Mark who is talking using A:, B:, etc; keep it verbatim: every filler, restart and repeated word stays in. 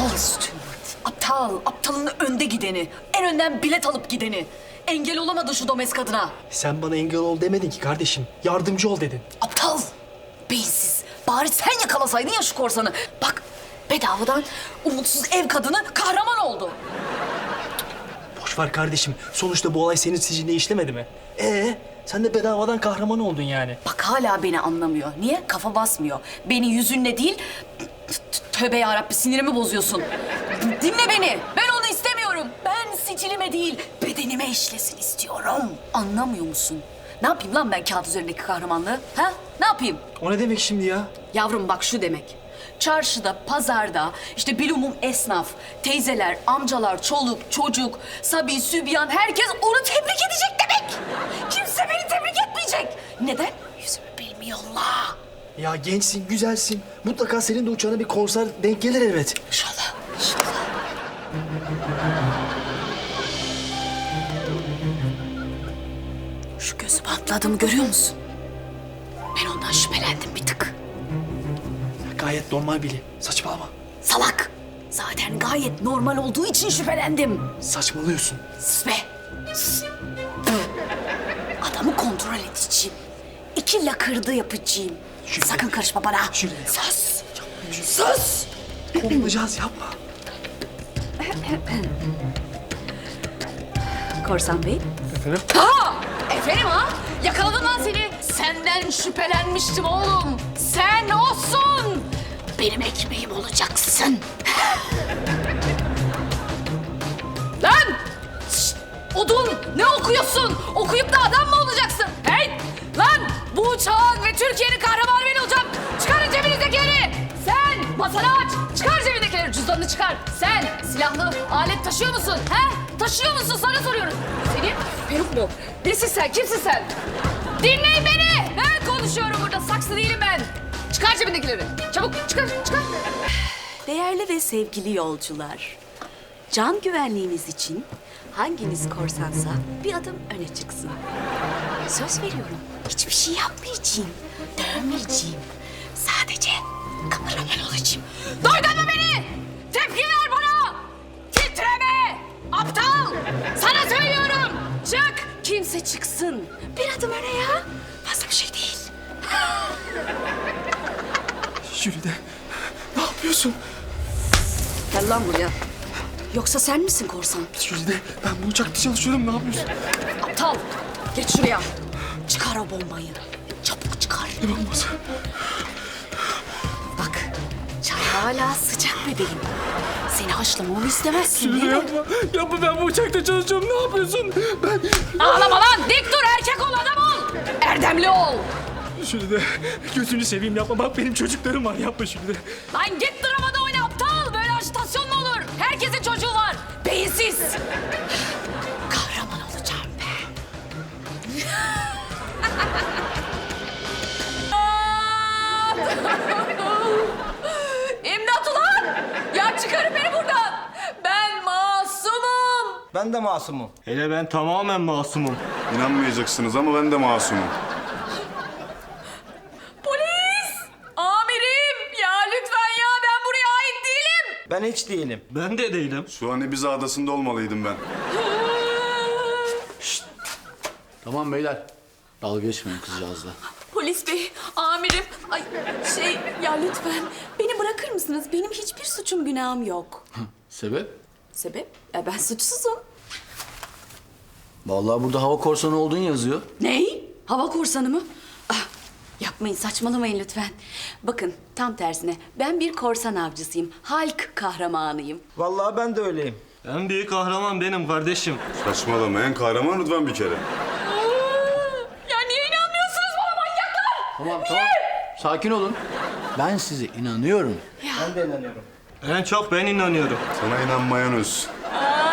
A: Aptal Stuart. Aptal. Aptalın önde gideni. En önden bilet alıp gideni. Engel olamadın şu domez kadına.
B: Sen bana engel ol demedin ki kardeşim. Yardımcı ol dedin.
A: Aptal. Beyinsiz. Bari sen yakalasaydın ya şu korsanı. Bak bedavadan umutsuz ev kadını kahraman oldu.
B: Boş ver kardeşim. Sonuçta bu olay senin sicilinde işlemedi mi? Ee, sen de bedavadan kahraman oldun yani.
A: Bak hala beni anlamıyor. Niye? Kafa basmıyor. Beni yüzünle değil... Tövbe yarabbi sinirimi bozuyorsun. Dinle beni. Ben onu istemiyorum. Ben sicilime değil bedenime işlesin istiyorum. Anlamıyor musun? Ne yapayım lan ben kağıt üzerindeki kahramanlığı? Ha? Ne yapayım?
B: O ne demek şimdi ya?
A: Yavrum bak şu demek. Çarşıda, pazarda, işte bilumum esnaf, teyzeler, amcalar, çoluk, çocuk, sabi, sübyan herkes onu tebrik edecek demek. Kimse beni tebrik etmeyecek. Neden? Yüzümü bilmiyorlar.
B: Ya gençsin, güzelsin. Mutlaka senin de uçağına bir konser denk gelir elbet.
A: İnşallah, inşallah. Şu gözü patladığımı görüyor musun? Ben ondan şüphelendim bir tık.
B: Gayet normal biri. Saçmalama.
A: Salak. Zaten gayet normal olduğu için şüphelendim.
B: Saçmalıyorsun.
A: Sus be. Sus. Adamı kontrol edeceğim. İki lakırdı yapacağım.
B: Şuraya.
A: Sakın karışma bana.
B: Şuraya.
A: Sus. Sus.
B: Kovulacağız yapma.
A: Korsan Bey.
B: Efendim?
A: Ha! Efendim ha? Yakaladım lan seni. Senden şüphelenmiştim oğlum. Sen olsun. Benim ekmeğim olacaksın. Lan! Şşt! Odun! Ne okuyorsun? Okuyup da adam mı olacaksın? Hey! Lan! Bu uçağın ve Türkiye'nin kahramanı ben olacağım. Çıkarın cebinizdekileri. Sen masanı aç. Çıkar cebindekileri. Cüzdanını çıkar. Sen silahlı alet taşıyor musun? He? Taşıyor musun? Sana soruyorum. Senin peruk mu? Nesin sen? Kimsin sen? Dinleyin beni. Ben konuşuyorum burada. Saksı değilim ben. Çıkar cebindekileri. Çabuk çıkar, çıkar.
C: Değerli ve sevgili yolcular, can güvenliğiniz için hanginiz korsansa bir adım öne çıksın. Söz veriyorum, hiçbir şey yapmayacağım, dövmeyeceğim. Sadece kameraman olacağım.
A: Duydun mu beni? Tepki ver bana. Titreme. Aptal. Sana söylüyorum. Çık.
C: Kimse çıksın. Bir adım öne ya. Fazla bir şey değil.
B: Jülide, ne yapıyorsun?
A: Gel lan buraya. Yoksa sen misin korsan?
B: Jülide, ben bu uçakta çalışıyorum. Ne yapıyorsun?
A: Aptal. Geç şuraya. Çıkar o bombayı. Çabuk çıkar.
B: Ne bombası?
A: Bak. Çay hala sıcak bebeğim. Seni haşlamamı istemezsin değil
B: Jülide
A: mi?
B: yapma. Yapma, ben bu uçakta çalışıyorum. Ne yapıyorsun? Ben...
A: Ağlama lan. Dik dur. Erkek ol, adam ol. Erdemli ol.
B: Jülide, gözünü seveyim yapma. Bak benim çocuklarım var. Yapma Jülide.
A: Lan git dramada oyna aptal. Böyle ajitasyon mu olur? Herkesin çocuğu var. Beyinsiz. Kahraman olacağım ben. İmdat ulan! Ya çıkarın beni buradan. Ben masumum.
D: Ben de masumum.
E: Hele ben tamamen masumum.
F: İnanmayacaksınız ama ben de masumum.
A: Polis! Amirim! Ya lütfen ya ben buraya ait değilim.
D: Ben hiç değilim.
E: Ben de değilim.
F: Şu an Ibiza Adası'nda olmalıydım ben.
G: Tamam beyler. Dalga geçmeyin kızcağızla.
C: Polis bey, amirim. Ay şey ya lütfen beni bırakır mısınız? Benim hiçbir suçum günahım yok.
G: Sebep?
C: Sebep? Ya ben suçsuzum.
G: Vallahi burada hava korsanı olduğun yazıyor.
C: Ney? Hava korsanı mı? Ah, yapmayın, saçmalamayın lütfen. Bakın tam tersine ben bir korsan avcısıyım. Halk kahramanıyım.
D: Vallahi ben de öyleyim.
E: En büyük kahraman benim kardeşim.
F: Saçmalama, en kahraman Rıdvan bir kere.
A: Ya niye inanmıyorsunuz bana manyaklar?
G: Tamam tamam. Sakin olun. Ben size inanıyorum.
D: Ben de inanıyorum.
E: En çok ben inanıyorum.
F: Sana inanmayan öz.
A: Aa,